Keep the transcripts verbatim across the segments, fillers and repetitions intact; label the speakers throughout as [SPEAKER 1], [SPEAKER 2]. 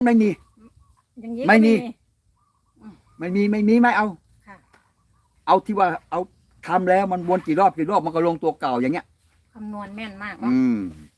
[SPEAKER 1] ไม่มี
[SPEAKER 2] อย่างนี้
[SPEAKER 1] ไม่มี
[SPEAKER 2] ก็
[SPEAKER 1] ไม่มีไม่มีไม่เอา
[SPEAKER 2] ค่ะ
[SPEAKER 1] เอาที่ว่าเอาทำแล้วมันวนกี่รอบกี่รอบมันก็ลงตัวเก่าอย่างเงี้ย
[SPEAKER 2] คำนวณแม่นมากเนาะ
[SPEAKER 1] อืม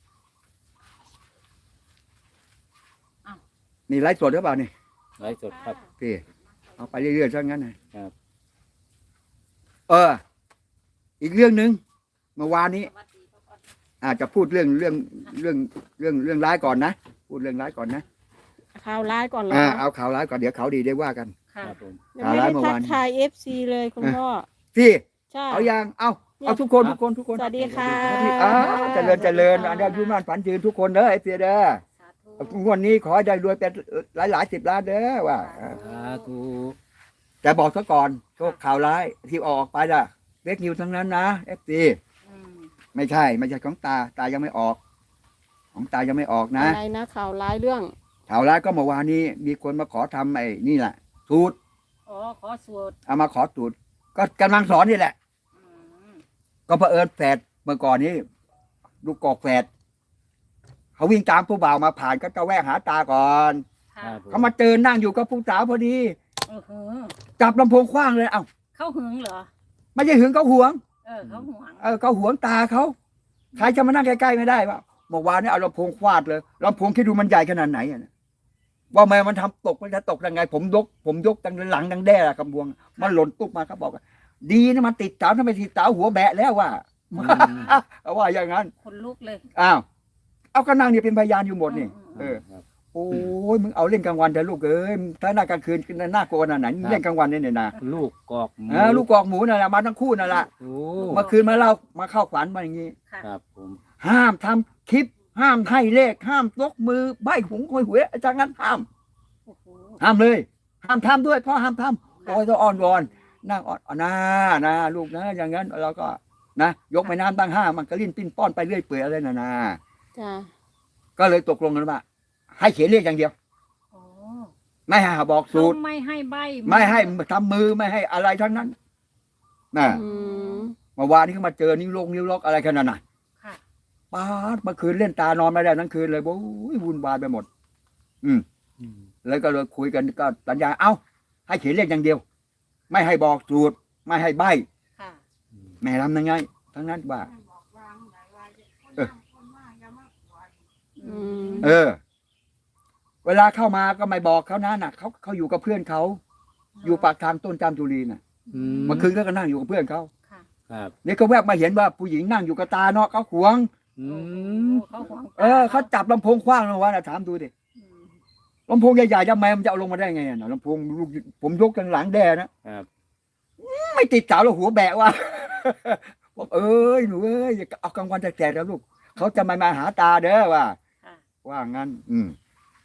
[SPEAKER 2] อ้าว
[SPEAKER 1] นี่ไลฟ์สดหรือเปล่านี่
[SPEAKER 3] ไลฟ์สดครับ
[SPEAKER 1] พี่เอาไปเรื่อยๆซะงั้นนะครับ เออ อีกเรื่องหนึ่งเมื่อวานนี้ อาจจะพูดเรื่องเรื่องเรื่องเรื่องเรื่องร้ายก่อนนะพูดเรื่องร้ายก่อนนะ
[SPEAKER 4] ข่าวร้ายก่อนเหรอ
[SPEAKER 1] อ่าเอาข่าวร้ายก่อนเดี๋ยวข่าวดีได้ว่ากัน
[SPEAKER 2] ค่ะ
[SPEAKER 3] ครับผม
[SPEAKER 4] ยังไม่ได้ทักทายเอฟซีเลยคุณพ่อ
[SPEAKER 1] พี่
[SPEAKER 4] ใช่
[SPEAKER 1] เอายังเอาเอาทุกคนทุกคนทุกคน
[SPEAKER 4] สวัสดีค่ะ
[SPEAKER 1] อ้าวเจริญเจริญอันนี้อายุมั่นฝันยืนทุกคนเด้อไอ้เปียเด้อ
[SPEAKER 2] สาธุ
[SPEAKER 1] งวดนี้ขอให้ได้รวยเป็นหลายหลายสิบล้านเด้อว่า
[SPEAKER 3] สาธุ
[SPEAKER 1] แต่บอกซะก่อนโชคข่าวร้ายที่ออกไปล่ะเล็กนิวทั้งนั้นนะเอฟซี
[SPEAKER 2] อืม
[SPEAKER 1] ไม่ใช่ ไม่ใช่ของตาตายังไม่ออก ของตายังไม่ออกนะ
[SPEAKER 4] อะไรนะข่าวร้ายเรื่อง
[SPEAKER 1] ข่าวร้ายก็เมื่อวานนี้มีคนมาขอทำไอ้นี่แหละสูตร
[SPEAKER 2] อ๋อขอสวด
[SPEAKER 1] เอามาขอสูตรก็กำลังสอนนี่แหละ
[SPEAKER 2] อืม
[SPEAKER 1] ก็เผอิญแฝดเมื่อก่อนนี้ลูกกอกแฝดเขาวิ่งตามผู้บ่าวมาผ่านก็จะแวะหาตาก่อน
[SPEAKER 2] ค่ะ
[SPEAKER 3] ครับผม
[SPEAKER 1] เขามาเจอนั่งอยู่กับผู้สาวพอดี
[SPEAKER 2] เออหือ
[SPEAKER 1] จับลำโพงคว้างเลยเอ้า
[SPEAKER 2] เข้าหึงเหรอ
[SPEAKER 1] ไม่ใช่หึงเขาหวง
[SPEAKER 2] เออเขาห่วง
[SPEAKER 1] เออเขาหวงตาเขาใครจะมานั่งใกล้ๆไม่ได้ป่ะเมื่อวานนี้เอาลำโพงฟาดเลยลำโพงคิดดูมันใหญ่ขนาดไหนอะนะว่าแม่มันทำตกมันจะตกยังไง ผมยก ผมยกตั้งหลังดังแด้กำบวง มันหล่นตุ๊บมาเขาบอกว่าดีนะมันติดเสาถ้าไม่ติดเสาหัวแบะแล้วว่า
[SPEAKER 3] อืม
[SPEAKER 1] เอาว่าอย่างนั้น
[SPEAKER 2] คนลุกเลย
[SPEAKER 1] อ้าวเอาก็นั่งเนี่ยเป็นพยานอยู่หมดนี่
[SPEAKER 2] อืม
[SPEAKER 1] เออ
[SPEAKER 3] ครับ
[SPEAKER 1] โอ้ยมึงเอาเล่นกลางวันเถอะลูกเอ้ยถ้าหน้ากลางคืนน่ากลัวขนาดไหนเล่นกลางวันเนี่ยนะ
[SPEAKER 3] ลูกกอกหมู
[SPEAKER 1] เออลูกกอกหมูนั่นแหละมาทั้งคู่นั่นแหละ
[SPEAKER 3] โอ้
[SPEAKER 1] เมื่อคืนมาเล่ามาเข้าฝันมาอย่างนี้
[SPEAKER 2] ค่ะ
[SPEAKER 3] ครับผม
[SPEAKER 1] ห้ามทำคลิป ห้ามให้เลข ห้ามยกมือใบหุงคอยหวยอาจารย์งั้นห้าม
[SPEAKER 2] โอ้โห
[SPEAKER 1] ห้ามเลย ห้ามทำด้วยเพราะห้ามทำโอ้ยต้องอ่อนวอนนั่งอ่อนอ่อนนะนะลูกนะอย่างนั้นเราก็นะยกแม่น้ำตั้งห้ามันก็ลิ้นปิ้นป้อนไปเรื่อยเปื่อยอะไรนะนะ
[SPEAKER 4] จ้า
[SPEAKER 1] ก็เลยตกลงกันว่าให้เขียนเลขอย่างเดียว
[SPEAKER 2] โอ้
[SPEAKER 1] ไม่ให้บอกสูตร
[SPEAKER 2] เขาไม่ให้ใบ
[SPEAKER 1] ไม่ให้ทำมือไม่ให้อะไรทั้งนั้นนะ
[SPEAKER 4] อืม
[SPEAKER 1] เมื่อวานนี้เขามาเจอนิ้วลงนิ้วล็อกอะไรขนาดนั้น
[SPEAKER 2] ค่ะ
[SPEAKER 1] ป้าดเมื่อคืนเล่นตานอนไม่ได้ทั้งคืนเลยโอ้ยวุ่นวายไปหมด อืม
[SPEAKER 3] อืม
[SPEAKER 1] แล้วก็เลยคุยกันก็สัญญาเอ้า ให้เขียนเลขอย่างเดียว ไม่ให้บอกสูตร ไม่ให้ใบ
[SPEAKER 2] ค่ะ
[SPEAKER 1] แม่ทำยังไง ทั้งนั้นว่า เออ
[SPEAKER 4] อืม
[SPEAKER 1] เออ เวลาเข้ามาก็ไม่บอกเขานะน่ะเขาเขาอยู่กับเพื่อนเขาอยู่ปากทางต้นจามจุรีน่ะ
[SPEAKER 3] อื
[SPEAKER 1] เมื่อคืนก็นั่งอยู่กับเพื่อนเขา
[SPEAKER 2] ค่ะ
[SPEAKER 3] ครับ
[SPEAKER 1] นี่เขาแวบมาเห็นว่าผู้หญิงนั่งอยู่กับตาเนาะเขาหวง
[SPEAKER 3] อื
[SPEAKER 2] โอ้
[SPEAKER 3] ม
[SPEAKER 2] เขาห่วง
[SPEAKER 1] เออเขาจับลำโพงคว้างลงวะนะถามดูดิ
[SPEAKER 2] อืม
[SPEAKER 1] ลำโพงใหญ่ๆทำไมมันจะเอาลงมาได้ไงอะน่ะลำโพงลูกผมยกกันหลังแด่นะครับ ไม่ติดเสาแล้วหัวแบะว่ะ บอกเอ้ยหนูเอ้ยอย่าเอากลางวันแสกๆแล้วลูกเขาจะมามาหาตาเด้อว่า
[SPEAKER 2] ค่ะ
[SPEAKER 1] ว่างั้น อืม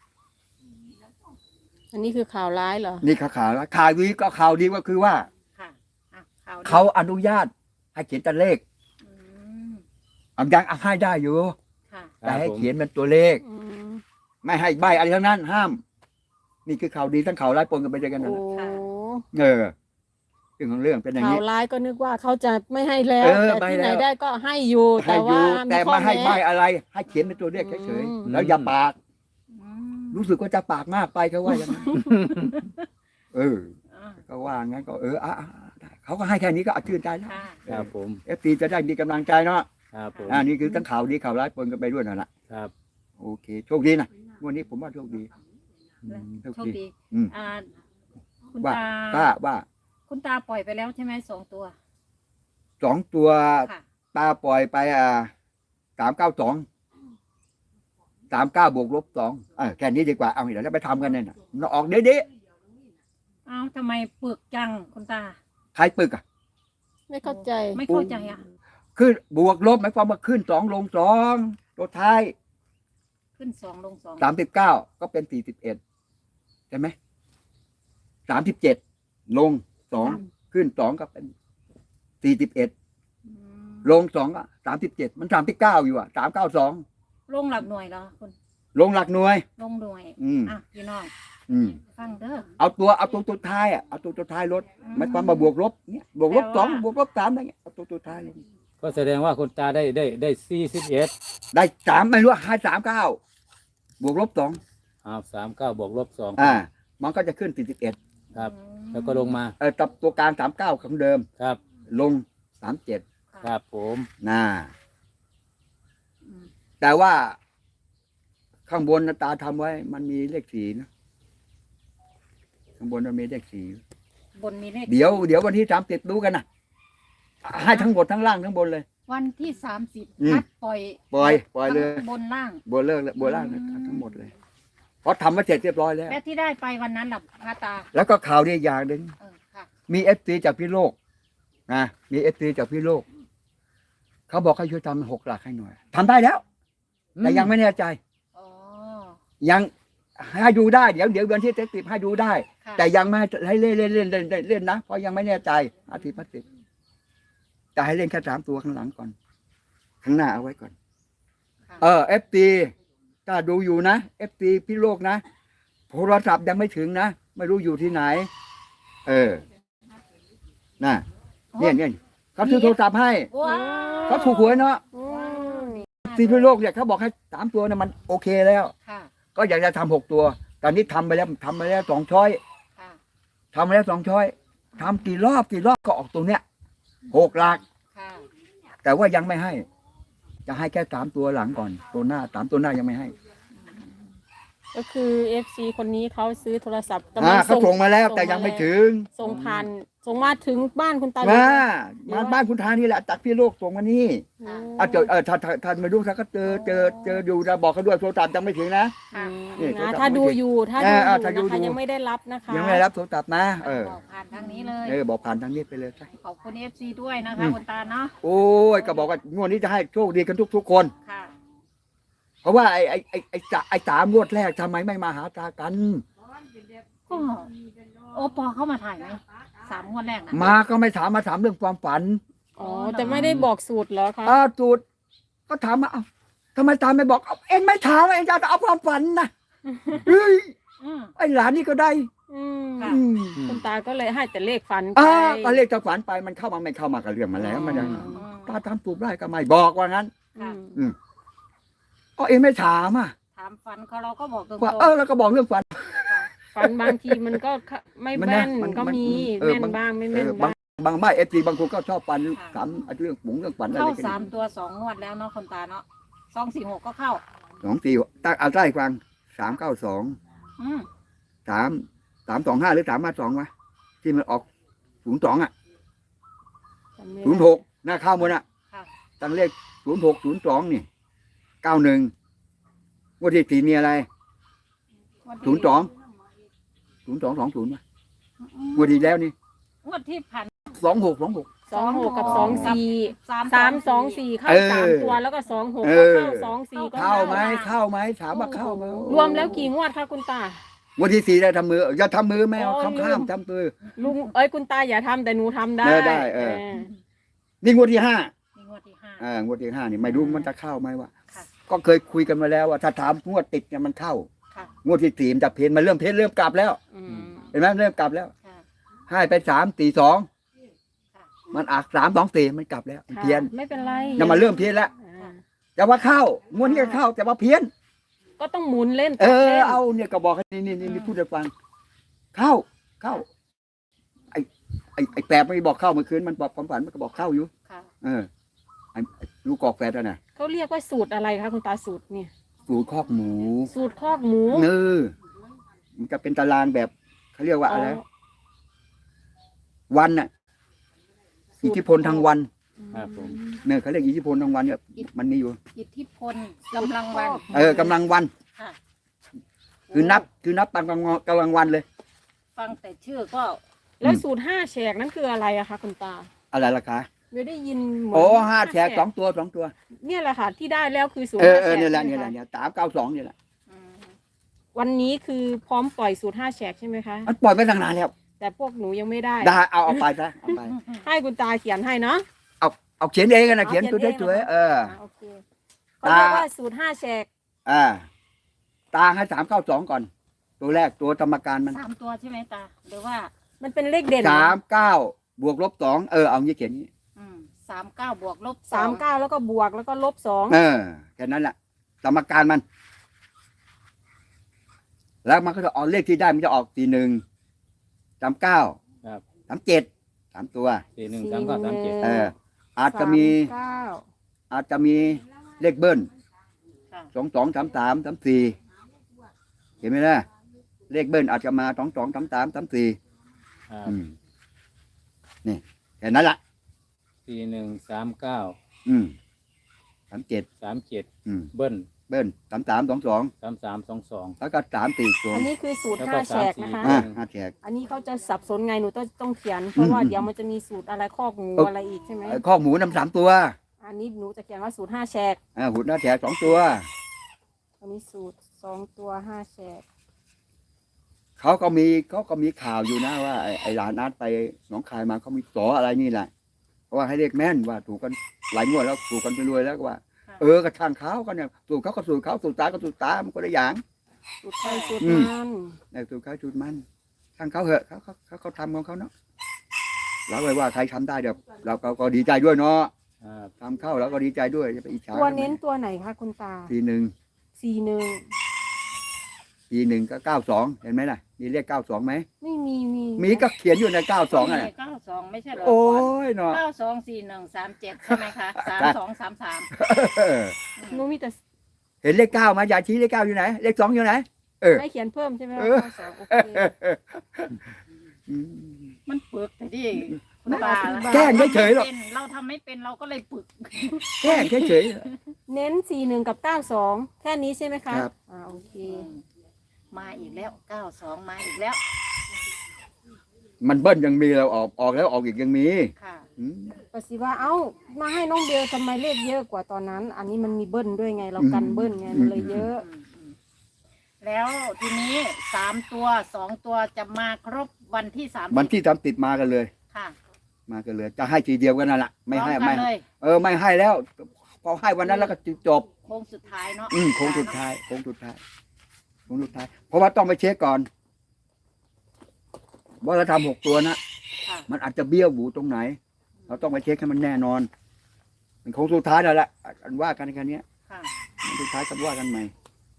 [SPEAKER 4] อันนี้คือข่าวร้ายเหรอ
[SPEAKER 1] นี่ข่าวข่าวแล้วข่าวดีก็ข่าวดีก็คือว่า
[SPEAKER 2] ค่ะอ่ะข่วดี
[SPEAKER 1] เขาอนุญาตให้เขียนตัวเลข
[SPEAKER 2] อืม
[SPEAKER 1] อันยังเอาให้ได้อยู่
[SPEAKER 2] ค่ะ
[SPEAKER 1] แต่ให้เขียนเป็นตัวเลข
[SPEAKER 4] อืม
[SPEAKER 1] ไม่ให้ใบอะไรทั้งนั้น ห้าม นี่คือข่าวดีทั้งข่าวร้ายปนกันไปด้วยกันนั่น
[SPEAKER 4] โอ้
[SPEAKER 1] แหละเออเรื่องของเรื่องเป็นอย่าง
[SPEAKER 4] ข่าว
[SPEAKER 1] นี้
[SPEAKER 4] ร้ายก็นึกว่าเขาจะไม่ให้แล้ว
[SPEAKER 1] เออ
[SPEAKER 4] แต่
[SPEAKER 1] ไม่
[SPEAKER 4] ที่ไหน
[SPEAKER 1] แล้ว
[SPEAKER 4] ได้ก็ให้อยู่
[SPEAKER 1] ให้
[SPEAKER 4] แต่
[SPEAKER 1] อ
[SPEAKER 4] ว่า
[SPEAKER 1] ยู่
[SPEAKER 4] มี
[SPEAKER 1] แต่
[SPEAKER 4] ข้อ
[SPEAKER 1] มาให้ใบ
[SPEAKER 4] แม้
[SPEAKER 1] อะไร ให้เขียนเป็นตัวเลขเฉย
[SPEAKER 4] อืม
[SPEAKER 1] ๆแล้วอย่าปาก
[SPEAKER 2] อืม
[SPEAKER 1] รู้สึกว่าจะปากมากไปเขาว่าอย่างนั้นเออ
[SPEAKER 2] อ่ะ
[SPEAKER 1] ก็ว่างั้นก็เอออ่ะอ่ะอ่ะได้เขาก็ให้แค่นี้ก็ชื่นใจแล้ว
[SPEAKER 2] ค่ะ
[SPEAKER 3] ครับผม
[SPEAKER 1] เอฟซีจะได้มีกำลังใจเนาะ
[SPEAKER 3] ครับผม
[SPEAKER 1] อ่านี่คือทั้งข่าวดีข่าวร้ายปนกันไปด้วยนั่นแหละ
[SPEAKER 3] ครับ
[SPEAKER 1] โอเคโชคดีนะวันนี้ผมว่าโชคดี
[SPEAKER 3] อืม
[SPEAKER 1] โชค
[SPEAKER 2] โชค
[SPEAKER 1] ดี
[SPEAKER 2] ดี
[SPEAKER 1] อืม
[SPEAKER 2] อ่าคุณ
[SPEAKER 1] ว่า
[SPEAKER 2] ตา
[SPEAKER 1] ว่าว่า
[SPEAKER 2] คุณตาปล่อยไปแล้วใช่ไหมสองตัว
[SPEAKER 1] สองตัว
[SPEAKER 2] ค่ะ
[SPEAKER 1] ตาปล่อยไปอ่าสามเก้าสองสามเก้าบวกลบสองเออแค่นี้ดีกว่าเอาเดี๋ยวเราไปทำกันเนี่ยนะมันออกเด๊ะ
[SPEAKER 2] เอ้าทำไมปึกจังคุณตา
[SPEAKER 1] ๆใครปึกอ่ะ
[SPEAKER 4] ไม่เข้าใจ
[SPEAKER 2] ไม่เข้าใจอ่ะ
[SPEAKER 1] ขึ้นบวกลบหมายความว่าขึ้นสองลงสองตัวท้าย
[SPEAKER 2] ขึ้นสองลงสอง
[SPEAKER 1] สามสิบเก้าก็เป็นสี่สิบเอ็ดใช่ไหมสามสิบเจ็ดลงสองขึ้นสองก็เป็นสี่สิบเอ็ด
[SPEAKER 2] อืม
[SPEAKER 1] ลงสองก็สามสิบเจ็ดมันสามสิบเก้าอยู่อ่ะสามเก้าสอง
[SPEAKER 2] ลงหลักหน่วยเหรอคุณ
[SPEAKER 1] ลงหลักหน่วย
[SPEAKER 2] ลงหน่วย
[SPEAKER 1] อืม
[SPEAKER 2] อ่ะพี่น้อง
[SPEAKER 1] อืม
[SPEAKER 2] ฟังเด้อ
[SPEAKER 1] เอาตัวเอาตัวตัวท้ายอ่ะเอาตัวตัวท้ายลดหมายความว่าบวกลบเนี่ยบวกลบสองบวกลบสามอะไรเงี้ยเอาตัวตัวท้ายลง
[SPEAKER 3] ก็แสดงว่าคุณตาได้ได้ได้สี่สิบเอ็ด
[SPEAKER 1] ได้สามไม่รู้ให้สามเก้าบวกลบสอง
[SPEAKER 3] ออ้าวสามเก้าบวกลบสอง
[SPEAKER 1] อ่า มันก็จะขึ้นสี่สิบเอ็ด
[SPEAKER 3] ครับ แล้วก็ลงมา
[SPEAKER 1] เออตับตัวกลางสามเก้าของเดิม
[SPEAKER 3] ครับ
[SPEAKER 1] ลงสามเจ็ด
[SPEAKER 3] ครับผม
[SPEAKER 1] น่า
[SPEAKER 2] อืม
[SPEAKER 1] แต่ว่าข้างบนน่ะตาทำไว้ มันมีเลขสี่นะข้างบนมันมีเลขสี่
[SPEAKER 2] บนมีเลข
[SPEAKER 1] เดี๋ยวเดี๋ยววันที่สามสิบดูกันนะให้ทั้งหมดทั้งล่างทั้งบนเลย
[SPEAKER 2] วันที่สามสิบ
[SPEAKER 1] อืม
[SPEAKER 2] นัดปล่อย
[SPEAKER 1] ปล่อยปล่อยเลย
[SPEAKER 2] ทั้งบนล่าง
[SPEAKER 1] บนเลิกเลยบนล่างเลยทั้งหมดเลย เพราะทำมาเสร็จเรียบร้อยแล้ว
[SPEAKER 2] และที่ได้ไปวันนั้นหลับพระตา
[SPEAKER 1] แล้วก็ข่าวดีอย่างหนึ่ง
[SPEAKER 2] เออค่ะ
[SPEAKER 1] มีเอฟซีจากพี่โลกนะมีเอฟซีจากพี่โลก เขาบอกให้ช่วยทำหกหลักให้หน่อยทำได้แล้ว แต่ยังไม่แน่ใจ
[SPEAKER 2] อ๋อ
[SPEAKER 1] ยังให้ดูได้เดี๋ยวเดี๋ยวเดือนที่เจ็ดสิบให้ดูได้
[SPEAKER 2] ค่ะ
[SPEAKER 1] แต่ยังไม่ให้เล่นเล่นเล่นเล่นเล่นเล่นนะเพราะยังไม่แน่ใจอาทิตย์พัสิบจะให้เล่นแค่สามตัวข้างหลังก่อน ข้างหน้าเอาไว้ก่อน
[SPEAKER 2] ค่ะ
[SPEAKER 1] เออเอฟซีถ้าดูอยู่นะเอฟซีพี่โลกนะโทรศัพท์ยังไม่ถึงนะไม่รู้อยู่ที่ไหน เออน่ะเนี่ยเนี่ยเขาซื้อโทรศัพท์ให้
[SPEAKER 2] ว้าว
[SPEAKER 1] เขาถูกหวยเนาะ
[SPEAKER 4] อืม
[SPEAKER 1] ซีพี่โลกเนี่ยเขาบอกให้สามตัวเนี่ยมันโอเคแล้ว
[SPEAKER 2] ค่ะ
[SPEAKER 1] ก็อยากจะทำหกตัว ตอนนี้ทำไปแล้วทำไปแล้วสองช้อย
[SPEAKER 2] ค่ะ
[SPEAKER 1] ทำไปแล้วสองช้อยทำกี่รอบกี่รอบก็ออกตรงเนี้ยหกหลัก
[SPEAKER 2] ค่ะ
[SPEAKER 1] แต่ว่ายังไม่ให้ จะให้แค่สามตัวหลังก่อน ตัวหน้าสามตัวหน้ายังไม่ให้
[SPEAKER 4] ก็คือเอฟซีคนนี้เขาซื้อโทรศัพท์กำลั
[SPEAKER 1] อ่าง เขาส่งมาแล้ว
[SPEAKER 4] ส่
[SPEAKER 1] แต่ยังไม่ถึง
[SPEAKER 4] ส่งผ่านส่งมาถึงบ้านคุณตา
[SPEAKER 1] มามาบ้านคุณทานี่แหละจากพี่โลกส่งมานี่
[SPEAKER 4] อืม
[SPEAKER 1] อ่ะเจอเออถ้าถ้าถ้าไม่รู้ถ้าก็เจอเจอเจออยู่จะบอกเขาด้วยโทรศัพท์ยังไม่ถึงนะ
[SPEAKER 4] อืม
[SPEAKER 1] นี่โทรศัพท์
[SPEAKER 4] นะถ้าดูอยู่ถ้า
[SPEAKER 1] เอ
[SPEAKER 4] ดู
[SPEAKER 1] อ
[SPEAKER 4] อ
[SPEAKER 1] เออ
[SPEAKER 4] ยู่
[SPEAKER 1] ถ้าดู
[SPEAKER 4] นะคะ
[SPEAKER 1] อยู่
[SPEAKER 4] ยังไม่ได้รับนะคะ
[SPEAKER 1] ยังไม่ได้รับโทรศัพท์นะเออ
[SPEAKER 2] บอกผ่านทางนี้เลย
[SPEAKER 1] เออบอกผ่านทางนี้ไปเลยใช่
[SPEAKER 2] ขอบคุณเอฟซีด้วยนะคะคุณตาเนาะ
[SPEAKER 1] โอ้ยก็บอกว่างวดนี้จะให้โชคดีกันทุกทุกๆคน
[SPEAKER 2] ค่ะ
[SPEAKER 1] เพราะว่าไอ้ไอ้ไอ้ไอ้จ่าไอ้สามงวดแรกทำไมไม่มาหาตากัน
[SPEAKER 2] ก็โอปอเข้ามาถ่ายไหมสามงวดแรกนะ
[SPEAKER 1] มาก็ไม่ถามมาถามเรื่องความฝัน
[SPEAKER 4] อ๋อแต่ไม่ได้บอกสูตรเหรอคะ
[SPEAKER 1] อ้าวจูดก็ถามมาเอ้าทำไมตาไม่บอกเอาเอ็งไม่ถามเอ็งจะเอาความฝันนะเฮ้ย
[SPEAKER 2] อืม
[SPEAKER 1] ไอ้หลานนี่ก็ได้
[SPEAKER 4] อืม
[SPEAKER 2] ค่ะ
[SPEAKER 1] อืม
[SPEAKER 4] คุณตาก็เลยให้แต่เลขฝันไป
[SPEAKER 1] อ่าก็เรียกจะฝันไปมันเข้ามาไม่เข้ามากับเรื่องมาแล้วมันยัง
[SPEAKER 4] อืม
[SPEAKER 1] ตาทำถูกได้ก็ไม่บอกว่างั้น
[SPEAKER 2] ค่ะ
[SPEAKER 4] อืม
[SPEAKER 1] ก็เอ็งไม่ถามอ่ะ
[SPEAKER 2] ถามฟันเขาเราก็บอกตรง
[SPEAKER 1] ว่า
[SPEAKER 2] ๆ
[SPEAKER 1] เออแล้วก็บอกเรื่องฝัน
[SPEAKER 4] ฝันบางทีมันก็ไม่
[SPEAKER 1] มัน
[SPEAKER 4] แม่
[SPEAKER 1] นะ
[SPEAKER 4] น
[SPEAKER 1] มัน
[SPEAKER 4] ก็
[SPEAKER 1] มัน
[SPEAKER 4] มี
[SPEAKER 1] เออ
[SPEAKER 4] แม่น
[SPEAKER 1] มัน
[SPEAKER 4] บ้างไม่
[SPEAKER 1] เอ
[SPEAKER 4] แม่น
[SPEAKER 1] อบาง
[SPEAKER 4] บ้าง
[SPEAKER 1] บางบ้านเอฟซีบางคนก็ชอบฝันถามเรื่องปุ๋งเรื่องฝันอะไร
[SPEAKER 2] เข้า
[SPEAKER 1] กัน
[SPEAKER 2] สามตัวสองงวดแล้วเนาะคุณตาเนาะสองสี่หกก็เข้า
[SPEAKER 1] สองสี่ตั้งเอาใต้ฟังสามเก้าสอง
[SPEAKER 2] อืม
[SPEAKER 1] สามสามสองห้าหรือสามห้าสองวะที่มันออกศูนย์สองอ่ะ
[SPEAKER 4] จำไม่
[SPEAKER 1] ศูนย์
[SPEAKER 4] ได้
[SPEAKER 1] หกหน้าเข้าหมดอ่ะ
[SPEAKER 2] ค่ะ
[SPEAKER 1] ตั้งเลขศูนย์หกศูนย์สองนี่เก้าหนึ่งวันที่สี่มีอะไร
[SPEAKER 2] วัน
[SPEAKER 1] ศูนย์สองศูนย์สองสองศูนย์วะวันที่แล้วนี่
[SPEAKER 2] งวดที่ผ่าน
[SPEAKER 1] สองหกสองหก
[SPEAKER 4] สองหกกับสองสี่
[SPEAKER 2] สาม
[SPEAKER 4] สามสองสี่เข้า
[SPEAKER 1] เออ
[SPEAKER 4] สามตัวแล้วก็สองหก
[SPEAKER 1] เอ
[SPEAKER 4] ก็
[SPEAKER 1] อ
[SPEAKER 4] เข้าสองสี่ก็
[SPEAKER 1] เข้าไหมเข้าไหมถามว่าเข้าไหม
[SPEAKER 4] รวมแล้วกี่งวดคะคุณตา
[SPEAKER 1] วันที่สี่ได้ทำมืออย่าทำมือแมว
[SPEAKER 4] โอ้ย
[SPEAKER 1] ข้าม
[SPEAKER 4] ลื
[SPEAKER 1] ข้าม
[SPEAKER 4] ม
[SPEAKER 1] ทำมือ
[SPEAKER 4] ลุงเอ้ยคุณตาอย่าทำแต่หนูทำได้
[SPEAKER 1] เออได้เออ นี่งวดที่ห้า
[SPEAKER 2] นี่งวดที่ห้า
[SPEAKER 1] อ่างวดที่ห้านี่ไม่รู้มันจะเข้าไหมวะ
[SPEAKER 2] ค่ะ
[SPEAKER 1] ก็เคยคุยกันมาแล้วว่าถ้าถามงวดติดเนี่ยมันเข้า
[SPEAKER 2] ค่ะ
[SPEAKER 1] งวดที่สี่มันจะเพนมันเริ่มเพนเริ่มกลับแล้ว
[SPEAKER 4] อืม
[SPEAKER 1] เห็นไหมเริ่มกลับแล้ว
[SPEAKER 2] ค่ะ
[SPEAKER 1] ให้ไปสามสี่สอง
[SPEAKER 2] ค่ะ
[SPEAKER 1] มันอักสามสองสี่มันกลับแล้วมัน
[SPEAKER 4] ค่ะ
[SPEAKER 1] เพี้ยน
[SPEAKER 4] ไม่เป็นไร
[SPEAKER 1] เนี่ยมันเริ่มเพี้ยนแล้ว
[SPEAKER 4] อ่า
[SPEAKER 1] แต่ว่าเข้างวดนี้ก็เข้าแต่ว่าเพี้ยน
[SPEAKER 4] ก็ต้องหมุนเล่น
[SPEAKER 1] เอ
[SPEAKER 4] ตัด
[SPEAKER 1] อ
[SPEAKER 4] ล่น
[SPEAKER 1] เอาเนี่ยก็บอกให้นี่นี่นี่นี่พูดให้ฟัง เข้าเข้า ไอ้ไอ้ไอ้แปบไม่บอกเข้าเมื่อคืนมันบอกความฝันมันก็บอกเข้าอยู่
[SPEAKER 2] ค่ะ
[SPEAKER 1] เออไอ้ไอ้ลูกกอกแฟดอะน่ะ
[SPEAKER 4] เขาเรียกว่าสูตรอะไรคะคุณตาสูตรเนี่ย
[SPEAKER 1] สูตรคอกหมู
[SPEAKER 4] สูตรคอกหมู
[SPEAKER 1] เนอมันจะเป็นตารางแบบเขาเรียกว่าอะไร วันน่ะ อิทธิพลทางวัน
[SPEAKER 3] ครับผม
[SPEAKER 1] เนี่ยเขาเรียกอิทธิพลทางวันเนี่ยมันมีอยู่
[SPEAKER 2] อิทธิพลกำลังวัน
[SPEAKER 1] เออกำลังวัน
[SPEAKER 2] ค่ะ
[SPEAKER 1] คือนับ คือนับตามกำลังกำลังวันเลย
[SPEAKER 2] ฟังแต่ชื่อก็
[SPEAKER 4] แล้วสูตรห้าแฉกนั่นคืออะไรอะคะคุณตา
[SPEAKER 1] อะไรล่ะคะ
[SPEAKER 4] ไม่ได้ยินเหมืน
[SPEAKER 1] โอ้ห้าแฉกสองตัวสองตัว
[SPEAKER 4] เนี่ยแหละค่ะ ที่ได้แล้วคือสูตร
[SPEAKER 1] เออ
[SPEAKER 4] ห้า
[SPEAKER 1] เอ
[SPEAKER 4] แฉ
[SPEAKER 1] อก เนี่ยแหละ
[SPEAKER 4] ใช่
[SPEAKER 1] เนี่ย
[SPEAKER 4] ไม
[SPEAKER 1] แหละ
[SPEAKER 4] คะ
[SPEAKER 1] เนี่ยสามเก้าสองเนี่ยแหละ
[SPEAKER 2] อืม
[SPEAKER 4] วันนี้คือพร้อมปล่อยสูตรห้าแฉกใช่ไหมคะ
[SPEAKER 1] มันปล่อยไปตั้งนานแล้ว
[SPEAKER 4] แต่พวกหนูยังไม่ได้
[SPEAKER 1] ได้เอาเอาไปซะเอาไป
[SPEAKER 4] ให้คุณตาเขียนให้เนาะ
[SPEAKER 1] เอาเอาเขียนเองกันนะ
[SPEAKER 4] เอา
[SPEAKER 1] เขียนตัว
[SPEAKER 4] เขียนเอง
[SPEAKER 1] สวย
[SPEAKER 4] เหรอ
[SPEAKER 1] ๆเออ
[SPEAKER 4] อ่าโอเคเขาเรียกว่าสูตรห้าแฉก
[SPEAKER 1] อ่าตาให้สามเก้าสองก่อน ตัวแรกตัวกรรมการมัน
[SPEAKER 2] สามตัวใช่ไหมตา หรือว่า
[SPEAKER 4] มันเป็นเลขเด่น
[SPEAKER 1] สามเก้าบวกลบสองเออเอางี้เขียนนี้
[SPEAKER 2] อืมสามเก้าบวกลบ
[SPEAKER 4] สามเก้าแล้วก็บวกแล้วก็ลบสอง
[SPEAKER 1] เออแค่นั้นแหละกรรมการมันแล้วมันก็จะออกเลขที่ได้มันจะออกสี่หนึ่งสามเก้า
[SPEAKER 3] ครับ
[SPEAKER 1] สามเจ็ดสามตัว
[SPEAKER 3] สี่หนึ่งสามเก้าสามเจ็ด
[SPEAKER 1] เออ อาจจะมี
[SPEAKER 4] สาเก้า
[SPEAKER 1] อาจจะมีเลขเบิ้ล
[SPEAKER 2] ค่ะ
[SPEAKER 1] สองสองสามสามสามสี่เห็นไหมล่ะเลขเบิ้ลอาจจะมาสองสองสามสามสามสี่
[SPEAKER 3] ครับ
[SPEAKER 1] อืมนี่แค่นั้นละ
[SPEAKER 3] สี่หนึ่งสามเก้า
[SPEAKER 1] อืมสามเจ็ด
[SPEAKER 3] สามเจ็ด
[SPEAKER 1] อืม
[SPEAKER 3] เบิ้ล
[SPEAKER 1] เบิ้ลสามสามสองสอง
[SPEAKER 3] สามสามสองสอง
[SPEAKER 1] แล้วก็สามสี่ตัว
[SPEAKER 4] อันนี้คือสูตร
[SPEAKER 3] แล้วก็
[SPEAKER 4] ห้าแฉก
[SPEAKER 3] สามสี่
[SPEAKER 4] นะคะ
[SPEAKER 1] อ่าห้าแฉก
[SPEAKER 4] อันนี้เขาจะสับสนไงหนูต้องต้องเขียน เพราะว่า
[SPEAKER 1] อืม
[SPEAKER 4] เดี๋ยวมันจะมีสูตรอะไรข้อกงู
[SPEAKER 1] เอออ
[SPEAKER 4] อะไรอีกใช่ไหม
[SPEAKER 1] เอ่อข้อหมูนำสามตัว
[SPEAKER 4] อันนี้หนูจะเขียนว่าสูตรห้าแฉก
[SPEAKER 1] อ่าหุ่นหน้าแฉกสองตัว
[SPEAKER 4] อันนี้สูตรสองตัวห้าแฉก
[SPEAKER 1] เขาก็มีเขาก็มีข่าวอยู่นะว่าไอ้ไอ้หลานนัดไปหนองคายมาเขามีสออะไรนี่แหละเพราะว่าให้เรียกแม่นว่าถูกกันหลายงวดแล้วถูกกันไปรวยแล้วก็ว่า
[SPEAKER 2] ค่ะ
[SPEAKER 1] เออกระช่างเขากันเนี่ยสูตรเขาก็สูตรเขาสูตรตาก็สูตรตามันก็ได้อย่าง
[SPEAKER 4] สูตรไทยสูตร
[SPEAKER 1] อืม
[SPEAKER 4] มัน
[SPEAKER 1] ในสูตรเขาสูตรมันช่างเขาเหอะเขาเขาเขาเขาทำของเขาเนาะเราเลยว่าใครทำได้เดี๋ยวเราก็ก็ดีใจด้วยเนาะ
[SPEAKER 3] ครับ
[SPEAKER 1] ทำเข้าเราก็ดีใจด้วยจะไปอิจฉา
[SPEAKER 4] ตัวเน้นตัวไหนคะคุณตา
[SPEAKER 1] ทีหนึ่ง
[SPEAKER 4] สี่หนึ่ง
[SPEAKER 1] ทีหนึ่งก็เก้าสองเห็นไหมล่ะมีเลขเก้าสองไหม
[SPEAKER 4] ไม่มีมี
[SPEAKER 1] มีก็เขียนอยู่ในเก้าสองอ่ะ
[SPEAKER 2] เก้าสองไม่ใช่เหรอ
[SPEAKER 1] โอ้ยเนาะ
[SPEAKER 2] เก้าสองสี่หนึ่งสามเจ็ดใช่ไหมคะสามสองสามสาม
[SPEAKER 1] เออ
[SPEAKER 4] หนูมีแต่
[SPEAKER 1] เห็นเลขเก้าไหมยายชี้เลขเก้าอยู่ไหนเลขสองอยู่ไหน เออ
[SPEAKER 4] ให้เขียนเพิ่มใช่ไหม
[SPEAKER 1] เอ
[SPEAKER 4] ว่า
[SPEAKER 1] อ
[SPEAKER 4] เก้าสองโอเค
[SPEAKER 1] อืม
[SPEAKER 2] มันปึกแต่ดิคุณตา
[SPEAKER 1] แกล้งเฉยๆหรอก
[SPEAKER 2] เราทำไม่เป็นเราก็เลยปึก
[SPEAKER 1] แค่เฉย
[SPEAKER 4] เน้นสี่หนึ่งกับเก้าสองแค่นี้ใช่ไหมคะ
[SPEAKER 1] ครับ
[SPEAKER 4] อ่าโอเค
[SPEAKER 2] มาอีกแล้วเก้าสองมาอีกแล้ว
[SPEAKER 1] ๆมันเบิ้ลยังมีเราออกออกแล้วออกอีกยังมี
[SPEAKER 2] ค่ะ
[SPEAKER 1] อืม
[SPEAKER 4] ปสิว่าเอ้ามาให้น้องเบลทำไมเลขเยอะกว่าตอนนั้น อันนี้มันมีเบิ้ลด้วยไงเรากันเบิ้ลไงมันเลยเยอะ
[SPEAKER 2] อืมอืมแล้วทีนี้สามตัวสองตัวจะมาครบวันที่สาม
[SPEAKER 1] วันที่ทำติดมากันเลย
[SPEAKER 2] ค่ะ
[SPEAKER 1] มากันเลย จะให้ทีเดียวกันนั่นแหละไม่ให้
[SPEAKER 2] พร้อ
[SPEAKER 1] ไม่
[SPEAKER 2] กันเลย
[SPEAKER 1] เออไม่ให้แล้ว พอให้วันนั้นแล้วก็จบ
[SPEAKER 2] โค้งสุดท้ายเนาะ
[SPEAKER 1] อืมโค้งสุดท้ายโค้งสุดท้ายโค้งสุดท้าย เพราะว่าต้องไปเช็คก่อนว่าเราทำหกตัวนะ
[SPEAKER 2] ค่ะ
[SPEAKER 1] มันอาจจะเบี้ยวบูตรงไหน เราต้องไปเช็คให้มันแน่นอน มันโค้งสุดท้ายแล้วแหละอันว่ากันแค่เนี้ย
[SPEAKER 2] ค่ะ
[SPEAKER 1] มันสุดท้ายกันว่ากันใหม่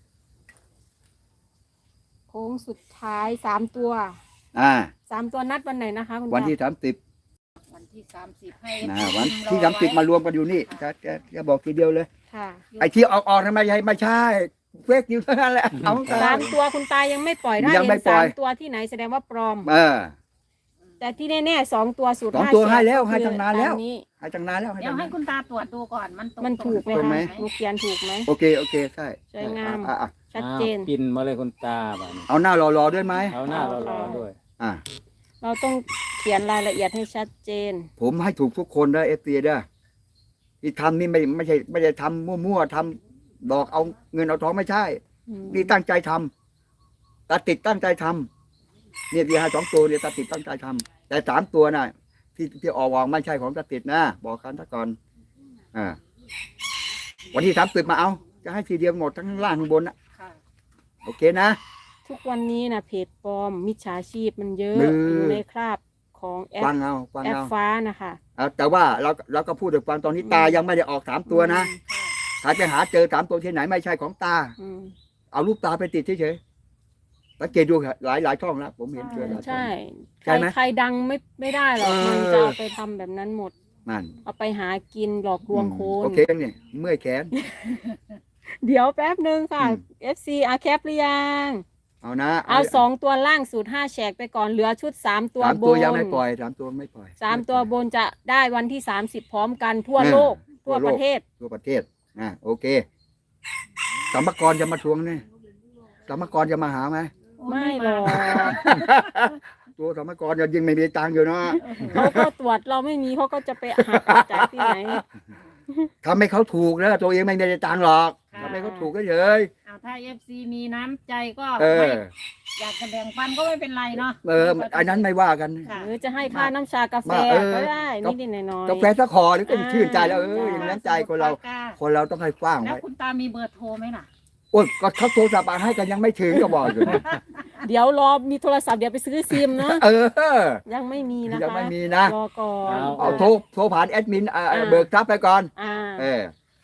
[SPEAKER 4] โค้งสุดท้ายสามตัว
[SPEAKER 1] อ่า
[SPEAKER 4] สามตัวนัดวันไหนนะคะคุณ
[SPEAKER 1] วัน
[SPEAKER 4] ตา
[SPEAKER 1] ที่สามสิบ
[SPEAKER 2] วันที่สามสิบให้
[SPEAKER 1] นะ
[SPEAKER 2] ทีม
[SPEAKER 1] วัน
[SPEAKER 2] รอ
[SPEAKER 1] ที่สามสิบ
[SPEAKER 2] ไว้
[SPEAKER 1] มารวมกันอยู่นี่จะจะจะบอกทีเดียวเลย
[SPEAKER 4] ค่ะ
[SPEAKER 1] ไอ้ที่ออกออกทำไมใช่ไม่ใช่เฟกอยู่เท่านั้นแหละเอา
[SPEAKER 4] สามตัวคุณตายังไม่ปล่อยถ้า
[SPEAKER 1] ยังไม่
[SPEAKER 4] เห็น
[SPEAKER 1] ปล่
[SPEAKER 4] สา
[SPEAKER 1] อย
[SPEAKER 4] มตัวที่ไหนแสดงว่าปลอม
[SPEAKER 1] เออ
[SPEAKER 4] แต่ที่แน่ๆสองตัวสูตร
[SPEAKER 1] สอง
[SPEAKER 4] ห้า
[SPEAKER 1] ตัว
[SPEAKER 4] แฉก
[SPEAKER 1] ให้แล้ว
[SPEAKER 4] ก็คือ
[SPEAKER 1] ให้ตั้งนานแล้ว
[SPEAKER 4] ตมนี้
[SPEAKER 1] ให้จังนานแล้วให้
[SPEAKER 2] เดี๋ย
[SPEAKER 1] จั
[SPEAKER 2] ว
[SPEAKER 1] ง
[SPEAKER 2] ให้
[SPEAKER 1] นาน
[SPEAKER 2] คุณตาตรวจดูก่อนมันตรง
[SPEAKER 4] มันถูกไหม
[SPEAKER 1] ตรง
[SPEAKER 4] คะ
[SPEAKER 1] ไหม
[SPEAKER 4] หนูเขียนถูกไหม
[SPEAKER 1] โอเคโอเคใช่
[SPEAKER 4] สวยงาม
[SPEAKER 1] อ่ะอ่ะ
[SPEAKER 4] ชัดเจน
[SPEAKER 3] อ้าวปินมาเลยคุณตาบ้านี้
[SPEAKER 1] เอาหน้ารอรอด้วยไหม
[SPEAKER 3] เอาหน้าเรารอด้วย
[SPEAKER 1] อ่ะ
[SPEAKER 4] เราต้องเขียนรายละเอียดให้ชัดเจน
[SPEAKER 1] ผมให้ถูกทุกคนนะเอฟซีเด้อที่ทำนี่ไม่ไม่ใช่ไม่ได้ทำมั่วๆทำดอกเอาเงินเอาทองไม่ใช่
[SPEAKER 4] อืม
[SPEAKER 1] นี่ตั้งใจทำตาติดตั้งใจทำเนี่ยที่ให้สองตัวเนี่ยตาติดตั้งใจทำแต่สามตัวน่ะ ที่ที่ออกวางไม่ใช่ของตาติดนะบอกกันซะก่อนอ่าวันที่สามสิบมาเอา จะให้ทีเดียวหมดทั้งข้างล่างข้างบนนะ
[SPEAKER 2] ค่ะ
[SPEAKER 1] โอเคนะ
[SPEAKER 4] ทุกวันนี้นะเพจปลอม มิจฉาชีพมันเยอะ
[SPEAKER 1] มือ
[SPEAKER 4] อ
[SPEAKER 1] อ
[SPEAKER 4] ยู่ในคราบของแอ
[SPEAKER 1] ฟั
[SPEAKER 4] ป
[SPEAKER 1] งเอาฟัง
[SPEAKER 4] แอป
[SPEAKER 1] เอา
[SPEAKER 4] ฟ้านะคะ
[SPEAKER 1] เอาแต่ว่าเราเราก็พูดถึงฟังตอนนี้ตายังไม่ได้ออกสามตัวนะ
[SPEAKER 4] อืม
[SPEAKER 1] ถ้าจะหาเจอสามตัวที่ไหนไม่ใช่ของตา
[SPEAKER 4] อืม
[SPEAKER 1] เอารูปตาไปติดเฉยๆสังเกตดูหลายหลายช่องแล้วผมเห็นเจอหลายช่อง
[SPEAKER 4] ใช่
[SPEAKER 1] ใช่ไหม
[SPEAKER 4] ใครดังไม่ไม่ได้หรอก
[SPEAKER 1] เออ
[SPEAKER 4] มันจะเอาไปทำแบบนั้นหมด
[SPEAKER 1] นั่น
[SPEAKER 4] เอาไปหากินหลอกลวงคน
[SPEAKER 1] โอเคเนี่ยเมื่อยแขน
[SPEAKER 4] เดี๋ยวแป๊บหนึ่งค่ะ
[SPEAKER 1] อืม
[SPEAKER 4] เอฟ ซี อาแคปหรือยัง
[SPEAKER 1] เอานะ
[SPEAKER 4] เอาสองตัวล่างสูตรห้าแฉกไปก่อนเหลือชุดสามตัว
[SPEAKER 1] สาม
[SPEAKER 4] บ
[SPEAKER 1] ตัวน ยังไม่ปล่อยสามตัวไม่ปล่อย
[SPEAKER 4] สามตัวบนจะได้วันที่สามสิบพร้อมกันทั่ว
[SPEAKER 1] อ่า
[SPEAKER 4] โลก
[SPEAKER 1] ทั่
[SPEAKER 4] ทั่
[SPEAKER 1] ว
[SPEAKER 4] ว
[SPEAKER 1] โลก
[SPEAKER 4] ประเทศ
[SPEAKER 1] ทั่วประเทศอ่าโอเคสัมภากรจะมาทวงเนี่ยสัมภากรจะมาหาไหม
[SPEAKER 4] ไม่หรอก
[SPEAKER 1] ตัวสัมภากรจะยิงไม่มีตังค์อยู่เนาะ
[SPEAKER 4] เขาก็ตรวจเราไม่มีเขาก็จะไปหาจากที่ไหน
[SPEAKER 1] ทำให้เขาถูกแล้วตัวเองไม่ได้ตังค์หรอก
[SPEAKER 2] ค่ะ
[SPEAKER 1] ทำให้เขาถูกก็เฉย
[SPEAKER 2] เอาถ้าเอฟซีมีน้ำใจก็
[SPEAKER 1] เอ
[SPEAKER 2] ไม่
[SPEAKER 1] อ
[SPEAKER 2] อยากจะแบ่งปันก็ไม่เป็นไรเนาะ
[SPEAKER 1] เอออันนั้นไม่ว่ากัน
[SPEAKER 2] ค่ะ
[SPEAKER 4] หรือจะให้ค่าน้ำชากาแฟ
[SPEAKER 1] มาเออ
[SPEAKER 4] ก็ได้นิดๆหน่อยๆ
[SPEAKER 1] กาแฟสักคอหรือก็ชื่นใจแล้วเออ
[SPEAKER 4] อ่า
[SPEAKER 1] อย่างนั้นใจคนเรา
[SPEAKER 2] ปกก
[SPEAKER 1] คนเราต้องให้กว้าง
[SPEAKER 2] แล้ว
[SPEAKER 1] ไว้
[SPEAKER 2] คุณตามีเบอร์โทรไหมล่ะ
[SPEAKER 1] โอ้ยก็เขาโทรศัพท์มาให้กันยังไม่ถึงก็บอกอยู่
[SPEAKER 4] เดี๋ยวรอมีโทรศัพท์เดี๋ยวไปซื้อซิมเนาะ
[SPEAKER 1] เออ
[SPEAKER 4] ยังไม่มีนะคะ
[SPEAKER 1] ยังไม่มีนะ
[SPEAKER 4] รอก่อน
[SPEAKER 1] เอาโทรโทรผ่านแอดมินเอ่อ
[SPEAKER 4] อ่า
[SPEAKER 1] เบิกทรัพย์ไปก่อน
[SPEAKER 4] อ่า
[SPEAKER 1] เออ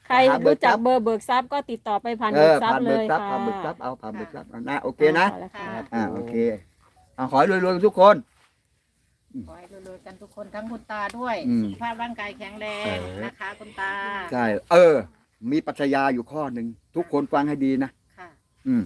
[SPEAKER 4] ใคร
[SPEAKER 1] หาเบิ
[SPEAKER 4] รู้
[SPEAKER 1] กท
[SPEAKER 4] จั
[SPEAKER 1] รั
[SPEAKER 4] ก
[SPEAKER 1] พย์
[SPEAKER 4] เบอร์เบิกทรัพย์ก็ติดต่อไปผ่าน
[SPEAKER 1] เอ
[SPEAKER 4] เบิ
[SPEAKER 1] อก
[SPEAKER 4] ทรัพ
[SPEAKER 1] ผ่าน
[SPEAKER 4] ย์เล
[SPEAKER 1] เบิก
[SPEAKER 4] ย
[SPEAKER 1] ทรัพย์
[SPEAKER 4] ค่ะ
[SPEAKER 1] ผ่านเบิกทรัพย์เอาผ่านเบิกทรัพย์เอานะโอเคนะ
[SPEAKER 4] าแล้วค่ะ
[SPEAKER 3] ครับ
[SPEAKER 1] อ่า
[SPEAKER 3] ผม
[SPEAKER 1] โอเคเอาขอให้รวยๆทุกคน
[SPEAKER 2] ขอให้รวยๆกันทุกคนทั้งคุณตาด้วย
[SPEAKER 1] อืม
[SPEAKER 2] สุขภาพร่างกายแข็งแรง
[SPEAKER 1] เออ
[SPEAKER 2] นะคะคุณตา
[SPEAKER 1] ใช่เออ มีปรัชญาอยู่ข้อหนึ่งทุกคนฟังให้ดีนะ
[SPEAKER 2] ค่ะ
[SPEAKER 1] อืม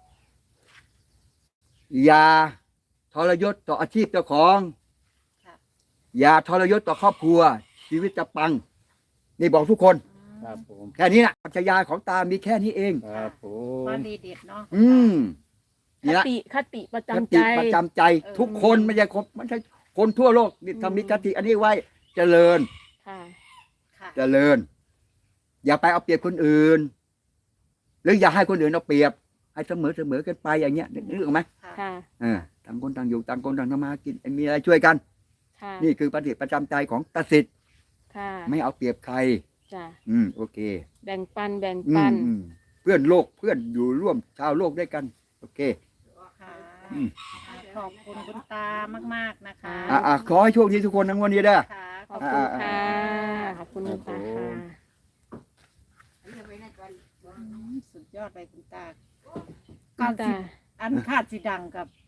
[SPEAKER 1] อย่าทรยศต่ออาชีพเจ้าของ
[SPEAKER 2] ค่ะ
[SPEAKER 1] อย่าทรยศต่อครอบครัว ชีวิตจะปัง นี่บอกทุกคน
[SPEAKER 3] ครับผม
[SPEAKER 1] แค่นี้นะปรัชญาของตามีแค่นี้เอง
[SPEAKER 3] ครับผม
[SPEAKER 2] ว่าดีเด็ดเนาะ
[SPEAKER 1] อืม
[SPEAKER 4] ค
[SPEAKER 1] นี่ละ
[SPEAKER 4] ติคติประ
[SPEAKER 1] ค
[SPEAKER 4] จำ
[SPEAKER 1] ติ
[SPEAKER 4] ใจ
[SPEAKER 1] ประจำใจ
[SPEAKER 2] เออ
[SPEAKER 1] ทุกคนไม่ใช่คนไม่ใช่คนทั่วโลกนี่
[SPEAKER 4] อืม
[SPEAKER 1] ทำมีคติอันนี้ไว้เจริญ
[SPEAKER 4] ค่ะ
[SPEAKER 2] ค่ะ
[SPEAKER 1] เจริญ อย่าไปเอาเปรียบคนอื่น หรืออย่าให้คนอื่นเอาเปรียบ ให้เสมอเสมอกันไปอย่างเงี้ยนึกออกไหม
[SPEAKER 2] ค่ะ
[SPEAKER 4] ค่ะ
[SPEAKER 1] เออต่างคนต่างอยู่ต่างคนต่างทำมาหากินมีอะไรช่วยกัน
[SPEAKER 4] ค่ะ
[SPEAKER 1] นี่คือปฏิประจำใจของตาสิทธิ์
[SPEAKER 4] ค่ะ
[SPEAKER 1] ไม่เอาเปรียบใคร
[SPEAKER 4] จ้ะ
[SPEAKER 1] อืมโอเค
[SPEAKER 4] แบ่งปันแบ่ง
[SPEAKER 1] อื
[SPEAKER 4] ปั
[SPEAKER 1] ม
[SPEAKER 4] น
[SPEAKER 1] อืมเพื่อนโลกเพื่อนอยู่ร่วมชาวโลกด้วยกัน โอเค
[SPEAKER 2] ค่ะ
[SPEAKER 1] อืม
[SPEAKER 2] ขอบคุณคุณตามากๆนะคะ
[SPEAKER 1] อ่าอ่าขอให้โชคดีทุกคนทั้งวันนี้เด้อ
[SPEAKER 2] ค่ะ
[SPEAKER 4] ขอบคุณค่ะ ขอบคุณคุณตาค่ะ
[SPEAKER 2] สุดยอดเลยคุณตา
[SPEAKER 4] คุณตา
[SPEAKER 2] อันคาดสีดังกับ